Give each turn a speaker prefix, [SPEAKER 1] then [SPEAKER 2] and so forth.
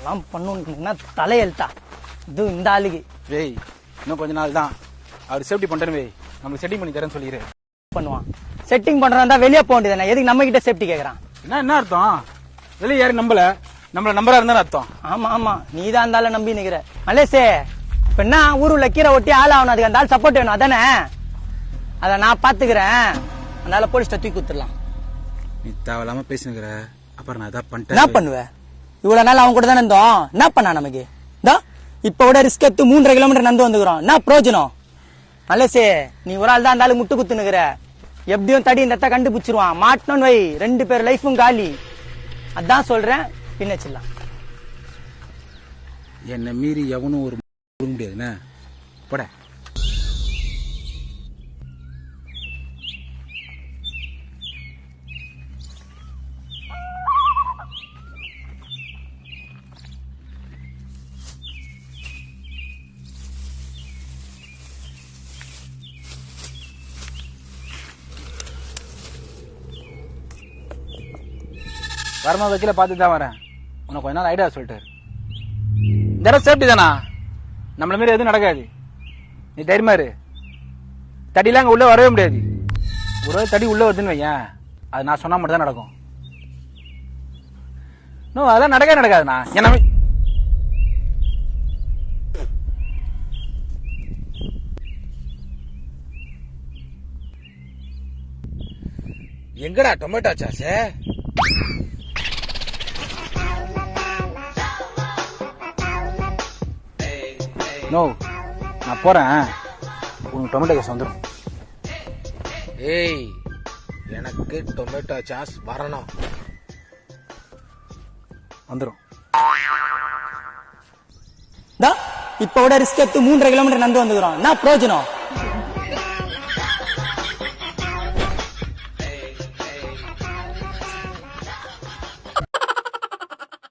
[SPEAKER 1] இதெல்லாம் பண்ணணும் தலையெழுத்தா இது இந்த ஆளுக்கு.
[SPEAKER 2] வேய் இன்னும் கொஞ்ச நாள் தான் அவர் சேஃப்டி பண்றேன்னு வை, நம்மளுக்கு செட்டிங் பண்ணி தரேன்னு சொல்லிடு.
[SPEAKER 1] பண்ணுவான் செட்டிங் பண்றதா வெளியே போக வேண்டியதானே, எதுக்கு நம்ம கிட்ட சேஃப்டி கேக்குறான்?
[SPEAKER 2] என்ன அர்த்தம்? வெளியே யாரும் நம்மள நம்பரா இருந்தா அர்த்தம்.
[SPEAKER 1] ஆமா ஆமா நீ தான் இருந்தாலும் நம்பி நிக்கிற. மலேசே இப்ப என்ன ஊருல கீரை ஒட்டி ஆள் ஆகணும், அதுக்கு அந்த ஆள் சப்போர்ட் வேணும் அதானே? அத நான் பாத்துக்கிறேன், அதனால போலீஸ்ட தூக்கி குத்துடலாம்.
[SPEAKER 2] நீ தேவையில்லாம பேசினுக்கிற, அப்புறம் நான் ஏதாவது பண்ணிட்டேன்.
[SPEAKER 1] என்ன பண்ணுவேன்? இவ்வளவு நாள் அவன் கூட தானே இருந்தோம், என்ன பண்ணா நமக்கு? இப்ப விட ரிஸ்க் எடுத்து 3.5 கிலோமீட்டர் நடந்து வந்துக்கிறோம், என்ன பிரயோஜனம்? மலேசே நீ ஒரு ஆள் தான் அந்த ஆளு முட்டு குத்துனுக்குற, எப்படியும் தடி இந்த கண்டுபிடிச்சிருவான், மாட்டணும்னு வை 2 பேர் லைஃபும் காலி. அதான் சொல்றேன் பின்னச்சிடலாம்.
[SPEAKER 2] என்ன மீறி எவனும் ஒரு முடியாதுன்னு போட. வரமா வக்கீல பார்த்து தான் வரேன், உனக்கு கொஞ்ச நாள் ஐடியா சொல்லிட்டாரு. இந்த சேஃப்டி தானா, நம்மள மாரி எதுவும் நடக்காது, நீ தைரியமா இரு. தடியெல்லாம் அங்க உள்ள வரவே முடியாது, ஒரு தடி உள்ள வருதுன்னு வையன், அது நான் சொன்னா மட்டும் தான் நடக்கும். நோ அதெல்லாம் நடக்கவே நடக்காதுண்ணா. என்ன
[SPEAKER 3] எங்கடா டொமேட்டோ சாஸ்?
[SPEAKER 2] நோ நான் போறேன், உனக்கு டொமேட்டோ சாஸ் வந்துடும்.
[SPEAKER 3] ஏய் எனக்கு டொமேட்டோ சாஸ் வரணும்.
[SPEAKER 2] வந்துடும்.
[SPEAKER 1] இப்ப விட ரிஸ்க் எடுத்து 3.5 கிலோமீட்டர் நடந்து வந்துக்கிறோம், என்ன பிரயோஜனம்?